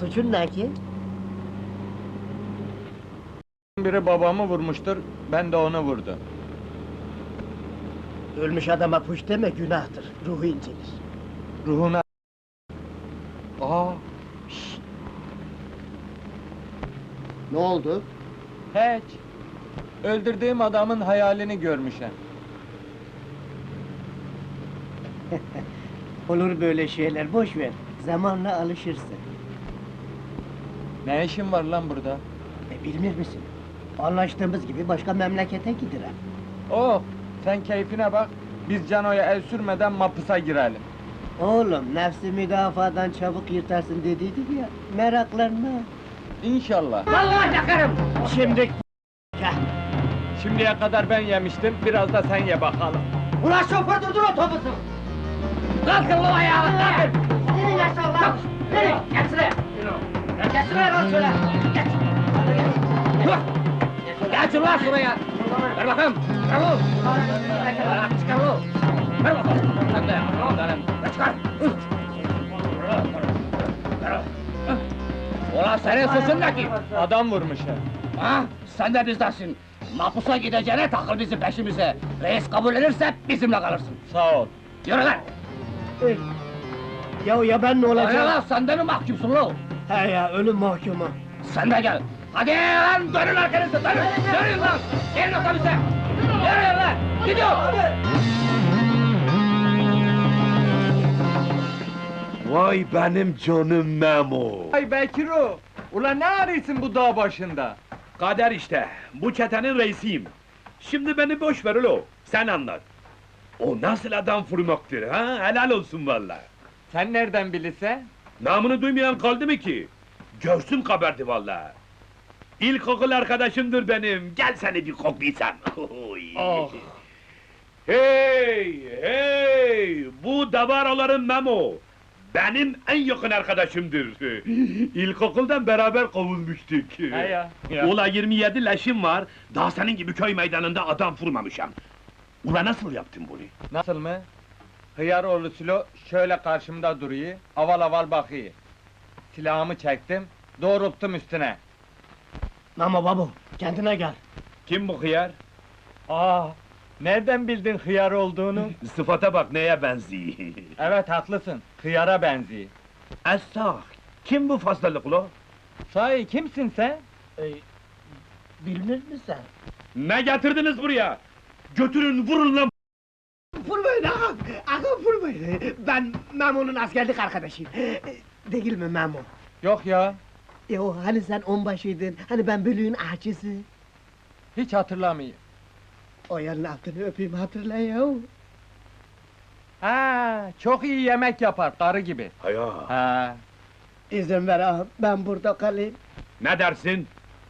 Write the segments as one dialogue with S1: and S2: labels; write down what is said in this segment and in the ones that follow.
S1: Suçun ne ki?
S2: Biri babamı vurmuştur, ben de onu vurdum.
S1: Ölmüş adama puş deme, günahtır. Ruhu incinir.
S2: Ruhuna... Aa,
S1: Ne oldu?
S2: hiç! Öldürdüğüm adamın hayalini görmüşem.
S1: Olur böyle şeyler, boş ver. Zamanla alışırsın.
S2: Ne işin var lan burada?
S1: Bilmir misin? Anlaştığımız gibi başka memlekete giderim.
S2: Oh, sen keyfine bak, biz Cano'ya el sürmeden mapusa girelim.
S1: Oğlum, nefsi müdafadan çabuk yırtarsın dediydik ya, meraklanma.
S2: İnşallah.
S1: Vallahi yakarım! Şimdi...
S2: Şimdiye kadar ben yemiştim, biraz da sen ye bakalım.
S1: Ulan şoför durdur otobüsü! Kalkın lan ayağa, kalkın! Senin yaşa lan! Nereye? Geç şuraya! Geç şuraya lan şöyle! Geç! Hadi geç! Geç ulan şuraya! Ver bakayım! Çıkar oğlum! Çıkar oğlum! Ver bakalım! Sen de! Çıkar! Ulan senin suçun ne ki?
S2: Adam vurmuş ha.
S1: Ha? Sen de bizdensin! Mapusa gideceğine takıl bizim peşimize! Reis kabul ederse bizimle kalırsın!
S2: Sağ ol.
S1: Yürü lan! Ya ben ne olacağım?
S3: Öyle lan, sen de mi mahkumsun lan?
S1: He ya, ölüm mahkumu!
S3: Sen de gel! Hadi lan, dönün arkanızı, dönün! Dönün lan! Gelin otobüse! Yürüyün lan! Gidiyor!
S4: Vay benim canım Memo!
S2: Ay Bekiro! Ulan ne arıyorsun bu dağ başında?
S4: Kader işte, bu çetenin reisiyim. Şimdi beni boş ver ulo, sen anlat. O nasıl adam vurmaktır ha? Helal olsun vallahi.
S2: Sen nereden bilirse?
S4: Namını duymayan kaldı mı ki? Görsün kabardı vallahi. İlkokul arkadaşımdır benim, gel seni bir koklaysam. Oy.
S2: Oh!
S4: Hey, hey! Bu davaroların Memo! Benim en yakın arkadaşımdır. İlkokuldan beraber kovulmuştuk.
S2: He ya.
S4: Ula 27 leşim var, daha senin gibi köy meydanında adam vurmamışam. Ula nasıl yaptın bunu?
S2: Nasıl mı? Hıyaroğlu Sülo şöyle karşımda duruyor, aval aval bakıyor. Silahımı çektim, doğrulttum üstüne.
S1: Ama babu, kendine gel!
S4: Kim bu hıyar?
S2: Aa, nereden bildin hıyar olduğunu?
S4: Sıfata bak neye benziyor.
S2: Evet haklısın, hıyara benziyor.
S4: Esah, kim bu fazlalık ulo?
S2: Sahi kimsin sen?
S1: Bilmir misin?
S4: Ne getirdiniz buraya? Götürün vurun lan!
S1: Vurmayın ağam! Ağam vurmayın! Ben Memo'nun askerlik arkadaşıyım. Değil mi Memo?
S2: Yok ya,
S1: O hani sen onbaşıydın, hani ben bölüğün ahçısı.
S2: hiç hatırlamıyorum.
S1: O yarın altını öpeyim hatırla ya.
S2: Ha, çok iyi yemek yapar, karı gibi.
S4: Haya!
S2: Ha,
S1: İzin ver ağam, ben burada kalayım.
S4: Ne dersin?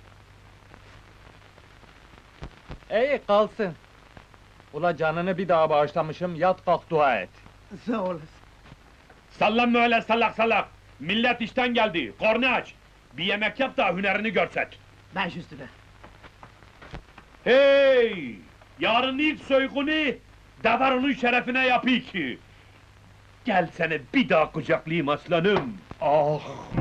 S2: iyi kalsın. Ula canını bir daha bağışlamışım, yat kalk dua et.
S1: Sağ olasın.
S4: Sallanma öyle salak salak! Millet işten geldi, kornu aç! Bir yemek yap da hünerini görset!
S1: Baş üstüne.
S4: Hey! Yarın ilk soygunu, Davaro'nun şerefine yapayım ki! Gel seni bir daha kucaklayayım aslanım!
S2: Ah!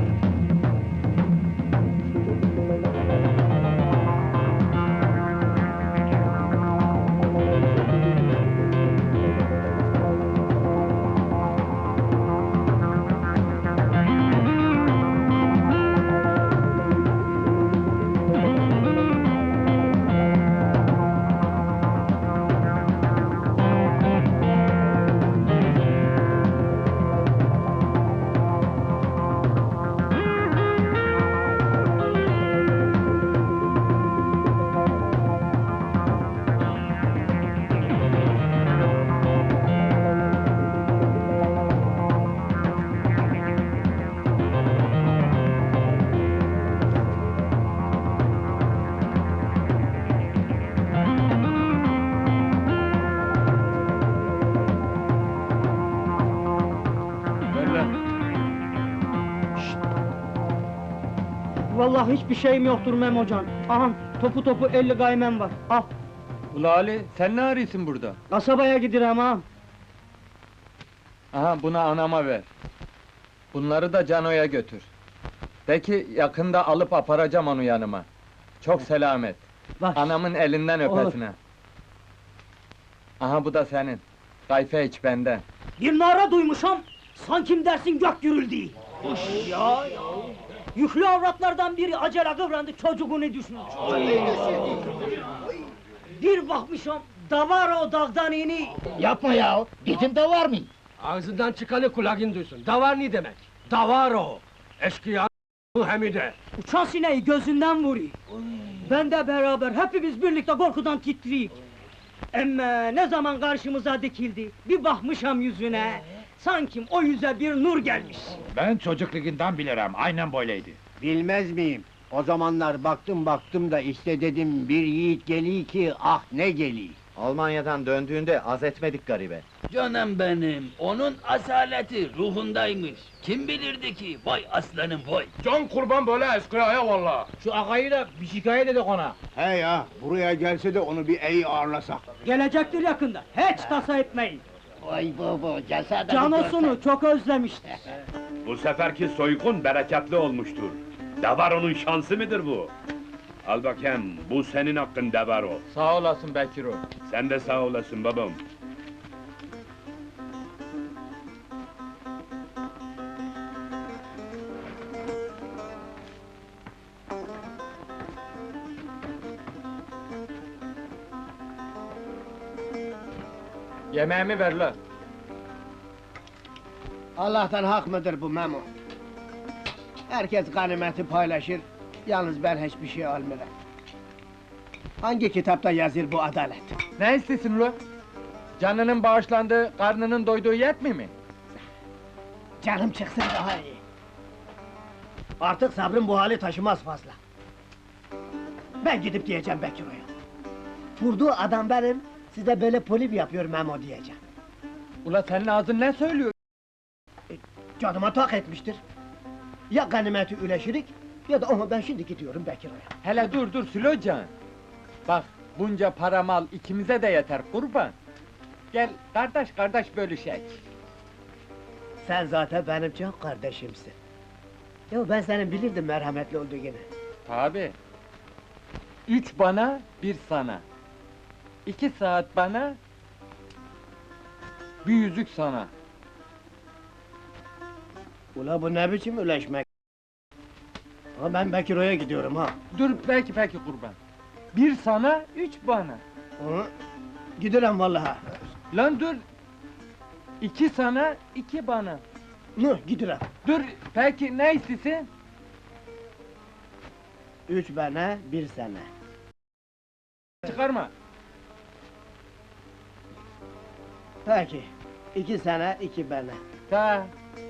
S5: Vallahi hiçbir şeyim yoktur Memocan. Aha, topu 50 gaymem var. Al,
S2: Ula Ali, sen ne arıyorsun burada?
S5: kasabaya gidirem ağam.
S2: Aha, bunu anama ver. Bunları da Cano'ya götür. De ki yakında alıp aparacağım onu yanıma. Çok selamet.
S5: Baş.
S2: Anamın elinden
S5: Olur.
S2: öpesine. Aha bu da senin. Kayfe iç benden.
S5: Bir nara duymuşam, sankim dersin gök gürüldü. Ya. Yüklü avratlardan biri acele kıvrandı, çocuğunu düşmüş. Bir bakmışam, davar o dağdan ini.
S1: Yapma ya, gidin de var mı?
S3: Ağzından çıkanı kulağın duysun. Davar ne demek? Davar o. Eşkıya Hamide.
S5: Uçan sineği gözünden vuruyor. Ben de beraber, hepimiz birlikte korkudan titriyik. Emme ne zaman karşımıza dikildi, bir bakmışam yüzüne, sanki o yüze bir nur gelmiş.
S6: Ben çocukluğundan bilirim, aynen böyleydi.
S7: Bilmez miyim? O zamanlar baktım da işte dedim bir yiğit geliyor ki ah ne geliyor.
S8: Almanya'dan döndüğünde az etmedik garibe.
S9: Canım benim, onun asaleti ruhundaymış. Kim bilirdi ki, vay aslanım vay!
S4: Can kurban böyle eskıya valla.
S6: Şu ağayı da bir şikayet edik ona.
S7: He ya, buraya gelse de onu bir iyi ağırlasak.
S5: Gelecektir yakında, hiç tasa etmeyin.
S1: Vay baba, gelse de bir
S5: Canosunu çok özlemiştir.
S4: Bu seferki soygun bereketli olmuştur. Devaro'nun şansı mıdır bu? Al bakayım, bu senin hakkın Devaro.
S2: Sağ olasın Bekiro.
S4: Sen de sağ olasın babam.
S2: Yemeğimi ver la.
S7: Allah'tan hak mıdır bu Memo? Herkes ganimeti paylaşır, yalnız ben hiçbir şey almıyorum. Hangi kitapta yazır bu adalet?
S2: Ne istiyorsun lo? Canının bağışlandığı, karnının doyduğu yetmiyor mi?
S7: Canım çıksın daha iyi. Artık sabrım bu hali taşımaz fazla. Ben gidip diyeceğim Bekiro'ya. Vurduğu adam benim, size böyle polim yapıyor Memo diyeceğim.
S2: Ula senin ağzın ne söylüyor?
S7: Canıma tak etmiştir. Ya ganimeti üleşirik, ya da ama ben şimdi gidiyorum Bekiro'ya.
S2: Hele dur Sülocan. Bak bunca para mal ikimize de yeter kurban. Gel kardeş bölüşek.
S7: Sen zaten benim çok kardeşimsin. Ya ben senin bilirdim merhametli olduğunu.
S2: Tabi. 3 bana, 1 sana. 2 saat bana, bir yüzük sana.
S7: Ula bu ne biçim üleşmek? Ama ben Bekiro'ya gidiyorum ha.
S2: Dur peki kurban. 1 sana, 3 bana.
S7: Hı? Giderim vallahi.
S2: Lan dur. 2 sana, 2 bana.
S7: Hı, giderim.
S2: Dur peki ne istiyorsun?
S7: 3 bana, 1 sana.
S2: Çıkarma.
S7: Peki. 2 sana, 2 bana.
S2: Ta.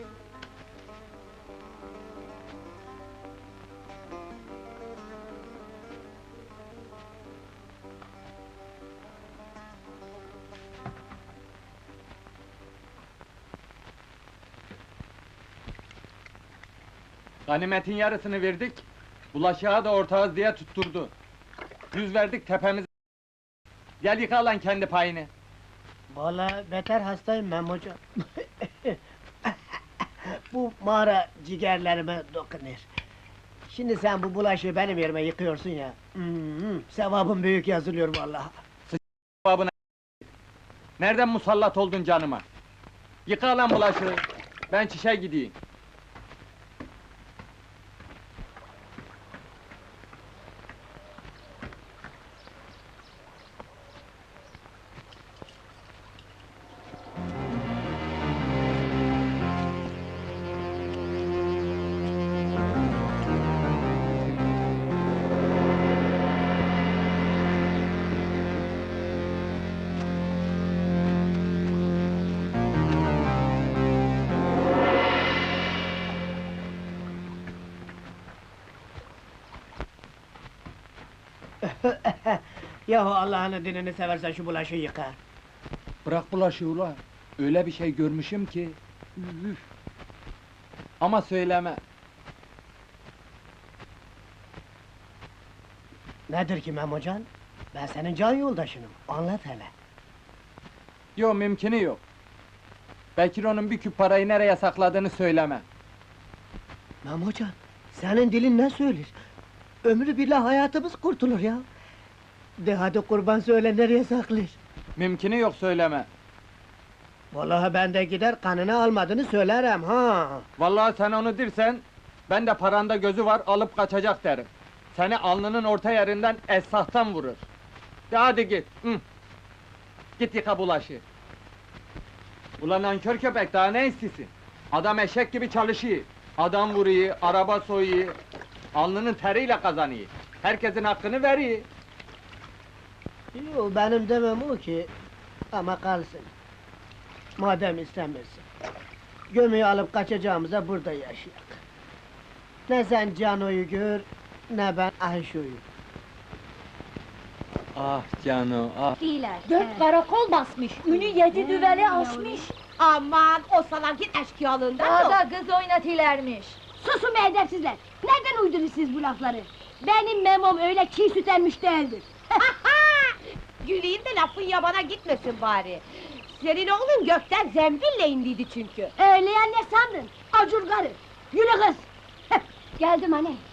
S2: Ganimetin yarısını verdik, bulaşığa da ortağız diye tutturdu. 100 verdik tepemiz. Gel yıka lan kendi payını.
S7: Vallahi beter hastayım Memocan. Bu mağara ciğerlerime dokunuyor. Şimdi sen bu bulaşığı benim yerime yıkıyorsun ya. Sevabın büyük yazılıyor vallahi.
S2: Babına. Nereden musallat oldun canıma? Yıka lan bulaşığı. Ben çişe gideyim.
S7: Yahu Allah'ın dinini seversen şu bulaşığı yıka.
S2: Bırak bulaşığı ula. Öyle bir şey görmüşüm ki. Üf! Ama söyleme.
S7: Nedir ki Memocan? Ben senin can yoldaşınım, anlat hele.
S2: Yok mümkünü yok. Bekiro'nun bir küp parayı nereye sakladığını söyleme.
S7: Memocan, Senin dilin ne söyler? Ömrü billah hayatımız kurtulur ya. De hadi kurban söyle nereye saklar?
S2: Mümkünü yok söyleme.
S7: Vallahi ben de gider kanını almadığını söylerim ha.
S2: Vallahi sen onu dirsen, ben de paranda gözü var alıp kaçacak derim. Seni alnının orta yerinden esahtan vurur. De hadi git. Hı. Git yıka bulaşı. Ulan nankör köpek daha ne istiyorsun? Adam eşek gibi çalışıyor. Adam vuruyor, araba soyuyor. Alnının teriyle kazanıyor. Herkesin hakkını veriyor.
S7: Yo, benim demem o ki, ama kalsın. Madem istemiyorsun. Gömüyü alıp kaçacağımıza burada yaşayak. Ne sen Cano'yu gör, ne ben Ayşo'yu.
S2: Ah Cano, ah!
S10: Dört karakol basmış, ünü 7 düveli aşmış.
S11: Aman o salakin eşkıyalığından yok.
S10: Daha kız oynatilermiş.
S11: Susun be edepsizler! Nereden uydurur siz bu lafları? Benim memom öyle çiğ süt emmiş değildir. Güleyim de lafın yabana gitmesin bari. Senin oğlun gökten zembille indiydi çünkü. Öyle ya ne sandın? Acur karı! Yürü kız!
S10: Geldim anne.